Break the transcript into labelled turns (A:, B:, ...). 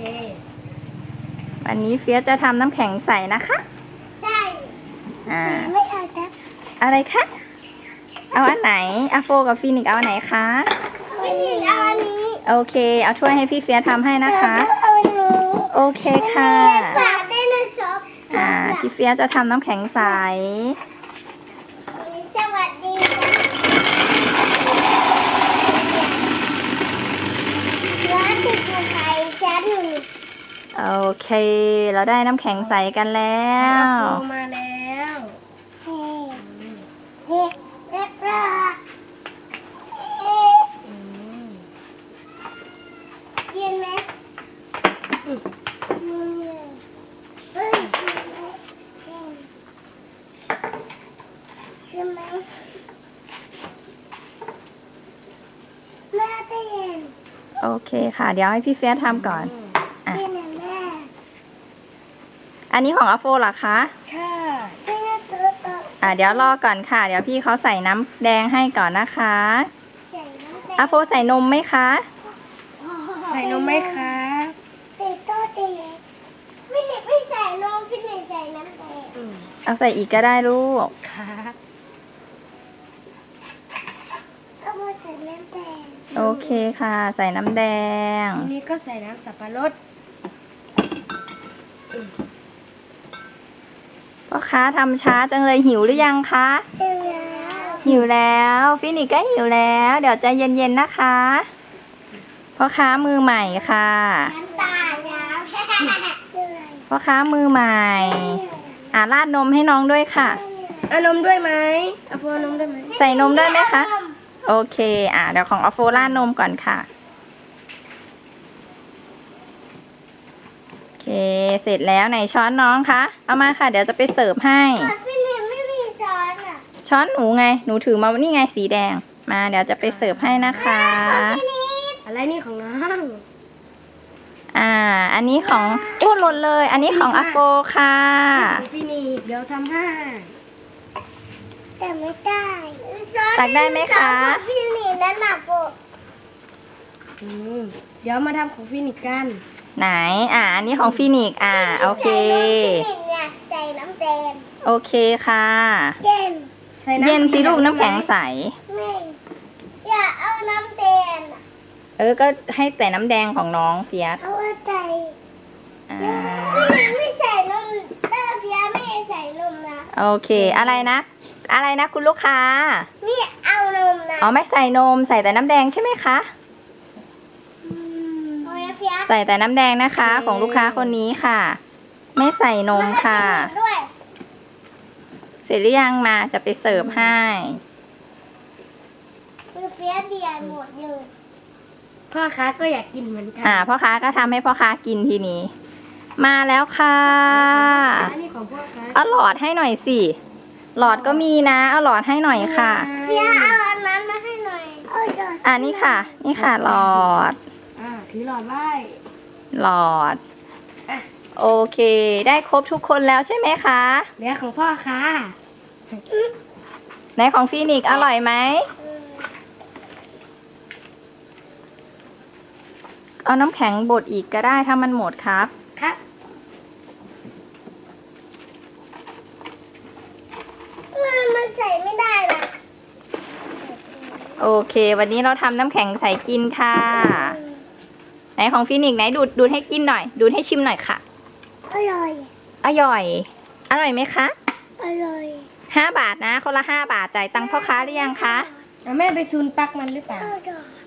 A: วันนี้เฟียสจะทำน้ำแข็งใสนะคะ
B: ใช่ไม่เอาจ้ะ
A: อะไรคะเอาอันไหนอาโฟกับฟีนิกเอาอันไหนคะ
B: ฟีนิกเอาอันนี้
A: โอเคเอาถ้วยให้พี่เฟียสทำให้นะคะ
B: เอาอันนี้
A: โอเคค่ะ
B: ฝากได้ในช็อป
A: พี่เฟียสจะทำน้ำแข็งใส
B: สวัสดีร้านติดอยู่ไทยชั้น
A: โอเคเราได้น้ำแข็งใสกันแล้ว
B: มาแล้วเฮ้เฮ้เร็วเย็นไหมเฮ้ยเย็นไหมแม่จะเย็น
A: โอเคค่ะเดี๋ยวให้พี่เฟียสทำก่อน
B: เย็นนะแม่
A: อันนี้ของอาโฟเหรอคะ
B: ใช่เ
A: เดี๋ยวรอก่อนค่ะเดี๋ยวพี่เขาใส่น้ำแดงให้ก่อนนะคะอาโฟใส่นมไหมคะ
B: ใส่นมไหมคะติดโต๊ะเด็กฟินิกไม่ใส่นมฟินิกใส่น้ำแดง
A: เอาใส่อีกก็ได้ลูก
B: ค่ะเอามาใส่น้ำแดง
A: โอเคค่ะใส่น้ำแดง
B: ทีนี้ก็ใส่น้ำสับปะรด
A: พ่อค้าทำช้าจังเลยหิวหรือยังคะหิวแล้วฟินิกก็หิวแล้วเดี๋ยวใจเย็นๆนะคะพ่อค้ามือใหม่ค่ะพ่อค้ามือใหม่ราดนมให้น้องด้วยค่ะ
B: เอานมด้วยไหมเอาโฟนมด้วยไหม
A: ใส่นมด้วยไหมคะโอเคเดี๋ยวของเอาโฟราดนมก่อนค่ะโอเคเสร็จแล้วไหนช้อนน้องคะเอามาค่ะเดี๋ยวจะไปเสิร์ฟให้
B: ฟินิกไม่มีช้อนอ่ะ
A: ช้อนหนูไงหนูถือมานี่ไงสีแดงมาเดี๋ยวจะไปเสิร์ฟให้นะคะ
B: อะไรนี่ของน้อง
A: อันนี้ของหล่นเลยอันนี้ของอาโฟค่ะ
B: ฟินิกเดี๋ยวทำให้แต่ไม่ได้
A: ตักได้ไหมคะ
B: ฟินิกนั่นน่ะโฟเดี๋ยวมาทำของฟินิกกัน
A: ไหนอันนี้ของฟินิกโอเค
B: ฟินิกเนี่ยใส่น้ำแดง
A: โอเคค่ะ
B: เย็น
A: เย็นสิลูกน้ำแข็งใส
B: ไม่อย่าเอาน้ำแดง
A: ก็ให้แต่น้ำแดงของน้องเฟียส
B: เอาใจฟินิกไม่ใส่นมแต่เฟียสไม่ใส่นมนะ
A: โอเคอะไรนะคุณลูกค้า
B: ไม่เอานมนะ
A: ไม่ใส่นมใส่แต่น้ำแดงใช่ไหมคะใส่แต่น้ำแดงนะคะของลูกค้าคนนี้ค่ะไม่ใส่นมค่ะเสร็จหรือยังมาจะไปเสิร์ฟให้
B: เฟียสเบียร์หมดเลยพ่อค้าก็อยากกินเหมือนกัน
A: พ่อค้าก็ทำให้พ่อค้ากินทีนี้มาแล้วค่ะ
B: อันนี้ของพ่อค้า
A: เอาหลอดให้หน่อยสิหลอดก็มีนะเอาหลอดให้หน่อยค่ะ
B: เฟียสเอาอันนั้นมาให้หน่อย
A: นี่ค่ะหลอด
B: ถือหลอดไว้
A: หลอดโอเคได้ครบทุกคนแล้วใช่ไหมคะ
B: เหลือของพ่อค่ะ
A: ไหนของฟีนิกอร่อยไหมเอาน้ำแข็งบดอีกก็ได้ถ้ามันหมดครับ
B: มันใส่ไม่ได้นะ
A: โอเควันนี้เราทำน้ำแข็งใส่กินค่ะไหนของฟีนิกไหนดูดให้กินหน่อยดูดให้ชิมหน่อยค่ะ
B: อร่อย
A: อร่อยไหมคะ
B: อร่อย
A: 5 บาทนะคนละ5 บาทจ่ายตังค์พ่อค้าหรือยังคะ
B: แม่ไปซูนปักมันหรือเปล่า